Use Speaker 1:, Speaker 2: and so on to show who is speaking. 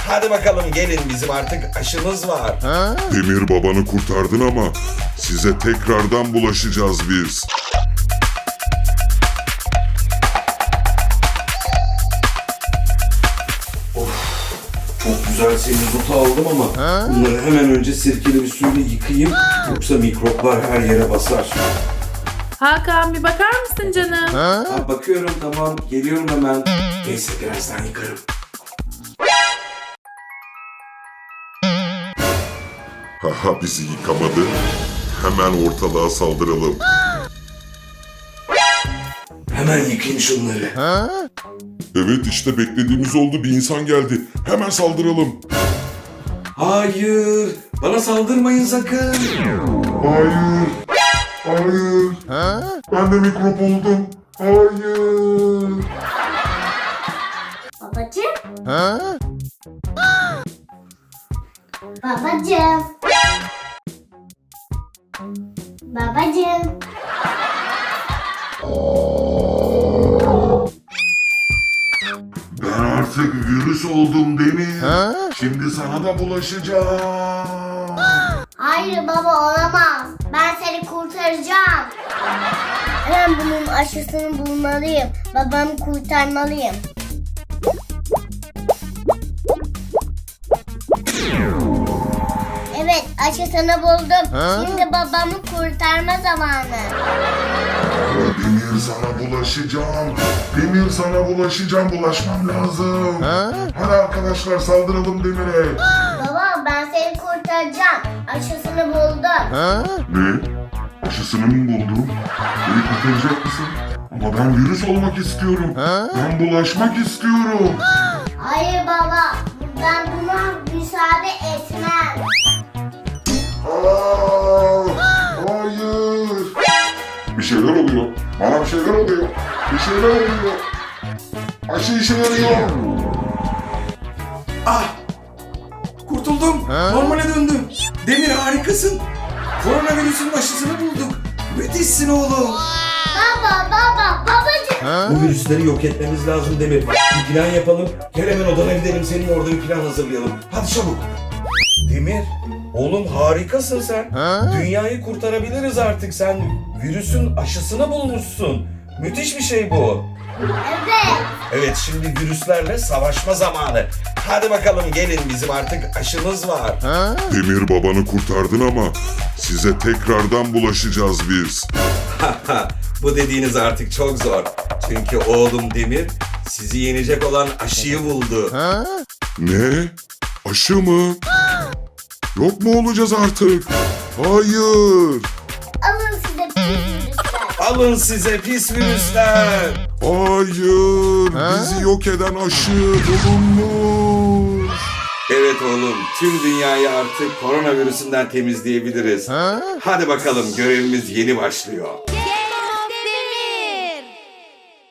Speaker 1: Hadi bakalım gelin, bizim artık aşımız var.
Speaker 2: Demir babanı kurtardın ama size tekrardan bulaşacağız biz.
Speaker 1: Çok güzel semizotu aldım ama bunları hemen önce sirkeli bir suyla yıkayayım. Yoksa mikroplar her yere basar.
Speaker 3: Hakan bir bakar mısın canım?
Speaker 1: Ha, bakıyorum, tamam, geliyorum hemen. Neyse, birazdan yıkarım.
Speaker 2: Haha, bizi yıkamadı. Hemen ortalığa saldıralım.
Speaker 1: Hemen yıkayayım şunları.
Speaker 2: Evet, işte beklediğimiz oldu, bir insan geldi. Hemen saldıralım.
Speaker 1: Hayır, bana saldırmayın sakın.
Speaker 2: Hayır. Hayır. Ben de mikrop oldum. Hayır.
Speaker 4: Babacığım. Babacığım. Babacığım.
Speaker 2: Ben artık virüs oldum Demir. Şimdi sana da bulaşacağım.
Speaker 4: Hayır baba, olamaz. Ben seni kurtaracağım. Hemen bunun aşısını bulmalıyım. Babamı kurtarmalıyım. Evet, aşısını buldum. Şimdi babamı kurtarma zamanı.
Speaker 2: Demir, sana bulaşacağım. Demir, sana bulaşacağım. Bulaşmam lazım. Hadi arkadaşlar, saldıralım Demir'e.
Speaker 4: Baba, ben seni kurtaracağım. Aşısını buldum.
Speaker 2: Ne? Aşısını mı buldun? Beni kurtaracak mısın? Ama ben virüs olmak istiyorum. Ben bulaşmak istiyorum.
Speaker 4: Hayır baba, ben buna müsaade etmem.
Speaker 2: Hayır. Bir şeyler oluyor. Bana bir şeyler oluyor. Bir şeyler oluyor. Aşı işe yarıyor.
Speaker 1: Ah! Kurtuldum. Normale döndüm. Demir, harikasın. Koronavirüsün aşısını bulduk. Müthişsin oğlum.
Speaker 4: Babacığım.
Speaker 1: Bu virüsleri yok etmemiz lazım Demir. Bir plan yapalım. Gel hemen odana gidelim. Senin orada bir plan hazırlayalım. Hadi çabuk. Demir, oğlum harikasın sen. Dünyayı kurtarabiliriz artık. Sen virüsün aşısını bulmuşsun. Müthiş bir şey bu.
Speaker 4: Evet.
Speaker 1: Evet, şimdi virüslerle savaşma zamanı. Hadi bakalım gelin, bizim artık aşımız var.
Speaker 2: Demir babanı kurtardın ama size tekrardan bulaşacağız biz.
Speaker 1: Bu dediğiniz artık çok zor. Çünkü oğlum Demir sizi yenecek olan aşıyı buldu.
Speaker 2: Ne? Aşı mı? Yok mu olacağız artık? Hayır.
Speaker 4: Alın size virüsler.
Speaker 1: Alın size pis virüsler.
Speaker 2: Hayır. Bizi yok eden aşı bulunmuş.
Speaker 1: Evet oğlum, tüm dünyayı artık koronavirüsünden temizleyebiliriz. Hadi bakalım, görevimiz yeni başlıyor.